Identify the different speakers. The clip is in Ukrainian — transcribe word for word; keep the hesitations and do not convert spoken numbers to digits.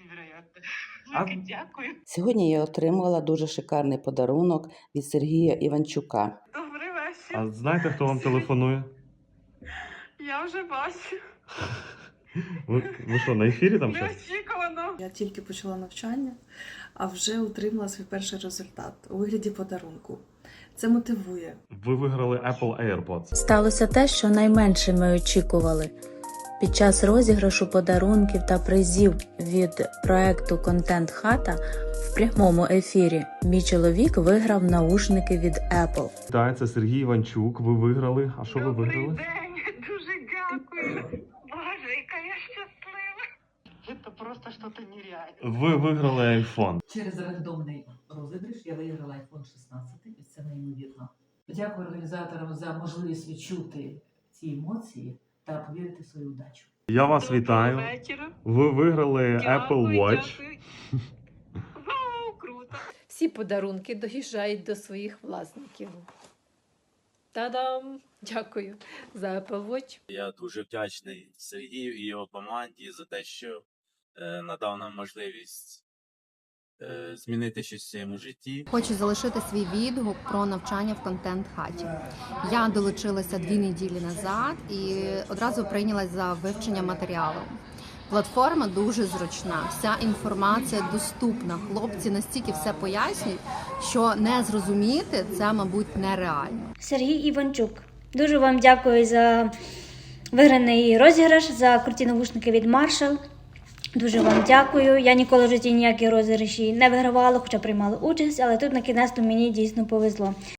Speaker 1: невероятно.
Speaker 2: А-
Speaker 1: Велике дякую.
Speaker 3: Сьогодні я отримала дуже шикарний подарунок від Сергія Іванчука.
Speaker 1: Добрий вечір.
Speaker 2: А знаєте, хто вам телефонує?
Speaker 1: Я вже бачу.
Speaker 2: Ви, ви що, на ефірі там щось?
Speaker 1: Неочікувано.
Speaker 4: Я тільки почала навчання, а вже отримала свій перший результат у вигляді подарунку. Це мотивує.
Speaker 2: Ви виграли Apple AirPods.
Speaker 5: Сталося те, що найменше ми очікували. Під час розіграшу подарунків та призів від проекту «Контент Хата» в прямому ефірі мій чоловік виграв наушники від Apple.
Speaker 2: Так, це Сергій Іванчук. Ви виграли. А що ви
Speaker 1: Добрий
Speaker 2: виграли?
Speaker 1: день. Дуже дякую. Боже, яка я щаслива. Це просто щось нереальне.
Speaker 2: Ви виграли iPhone.
Speaker 6: Через рандомний розіграш я виграла айфон шістнадцять, і це неймовірно. Дякую організаторам за можливість відчути ці емоції та повірити в свою удачу.
Speaker 2: Я вас
Speaker 1: Доброго
Speaker 2: вітаю.
Speaker 1: вечора.
Speaker 2: Ви виграли
Speaker 1: Дякую,
Speaker 2: Apple Watch.
Speaker 1: дякую. Вау, круто.
Speaker 7: Всі подарунки доїжджають до своїх власників. Та-дам! Дякую за Apple Watch.
Speaker 8: Я дуже вдячний Сергію і його команді за те, що е, надав нам можливість е, змінити щось в своєму житті.
Speaker 9: Хочу залишити свій відгук про навчання в контент-хаті. Я долучилася дві неділі назад і одразу прийнялась за вивчення матеріалу. Платформа дуже зручна, вся інформація доступна. Хлопці настільки все пояснюють, що не зрозуміти це, мабуть, нереально.
Speaker 10: Сергій Іванчук. Дуже вам дякую за виграний розіграш, за круті навушники від Marshall. Дуже вам дякую. Я ніколи в житті ніякі розіграші не вигравала, хоча приймала участь, але тут на кінець мені дійсно повезло.